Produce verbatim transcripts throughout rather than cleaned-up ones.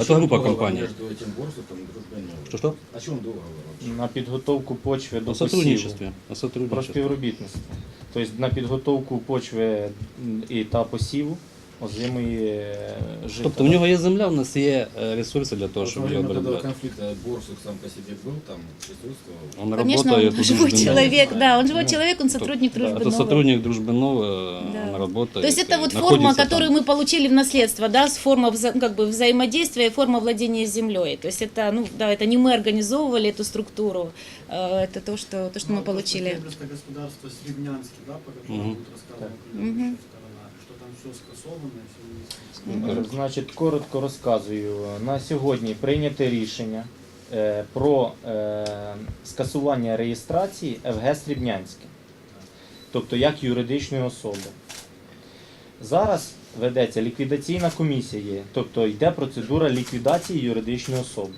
Это группа компаний. Между этим Борсуком и Дружбой Новой. Что-что? О чем договор вообще? На підготовку почви до О посіву. сотрудничестве. О Про сотрудничестве. співробітництво. Тобто на підготовку почви і та посіву озимої жита. Тобто у нього є земля, у нас є е, ресурси для того, Вот щоб во її время этого обробляти. конфликта Борсук сам по себе был, там присутствовал. Он Конечно, работает он у живой Дружбы человек, Новой. да, он живой Ну, человек, он сотрудник Да, Дружбы это Новой. сотрудник Дружбы Новой, Да. он работает. То есть это и вот форма, находится которую там. мы получили в наследство, да, с форма вза- как бы взаимодействия и форма владения землей. То есть это, ну, да, это не мы организовывали эту структуру, э, это то, что, то, что мы получили. Сельскохозяйственное господарство Сребнянский, да, по которому Мгм. будет рассказана Мгм. предыдущая сторона, что там все скасовано, все Е, Значить, коротко розказую. На сьогодні прийняте рішення е, про е, скасування реєстрації еф ге Срібнянське, тобто як юридичної особи. Зараз ведеться ліквідаційна комісія, тобто йде процедура ліквідації юридичної особи.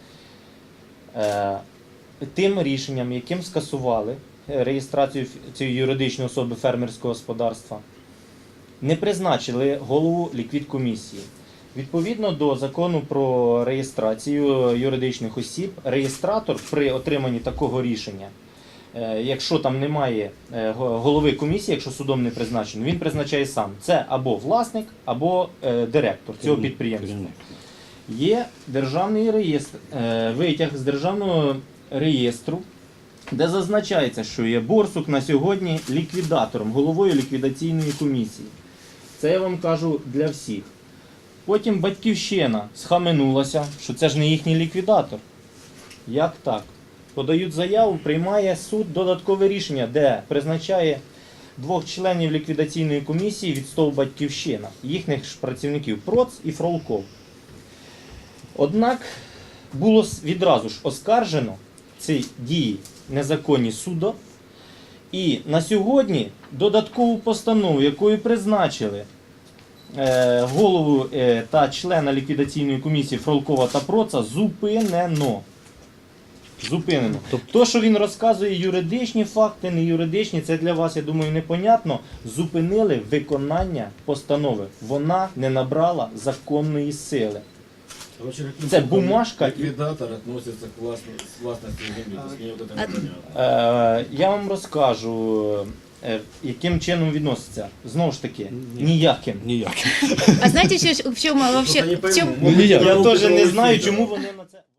Е, Тим рішенням, яким скасували реєстрацію цієї юридичної особи фермерського господарства, не призначили голову ліквідкомісії. Відповідно до закону про реєстрацію юридичних осіб, реєстратор при отриманні такого рішення, е, якщо там немає е, го- голови комісії, якщо судом не призначено, він призначає сам. Це або власник, або е, директор цього підприємства. Керівник. Є державний реєстр, е, витяг з державного реєстру, де зазначається, що є Борсук на сьогодні ліквідатором, головою ліквідаційної комісії. Це я вам кажу для всіх. Потім Батьківщина схаменулася, що це ж не їхній ліквідатор. Як так? Подають заяву, приймає суд додаткове рішення, де призначає двох членів ліквідаційної комісії від СТОВ Батьківщина, їхніх ж працівників Проц і Фролков. Однак було с- відразу ж оскаржено ці дії незаконні судом, і на сьогодні додаткову постанову, якою призначили е, голову е, та члена ліквідаційної комісії Фролкова та Проца, зупинено. Зупинено. Тобто, то, що він розказує юридичні факти, не юридичні, це для вас, я думаю, непонятно. Зупинили виконання постанови. Вона не набрала законної сили. Короче, каким Це образом бумажка і- ликвидатор относится к властно- с властностью земли. То есть мне вот это непонятно. Е, я вам розкажу, е, яким чином відноситься. Знову ж таки, Ні. ніяким. Ніяк. А знаете, еще в чем вообще, Просто не в чем, пойму, Ну, могут не я. тебя Я руку теж не провести, знаю, да. чому вони на це.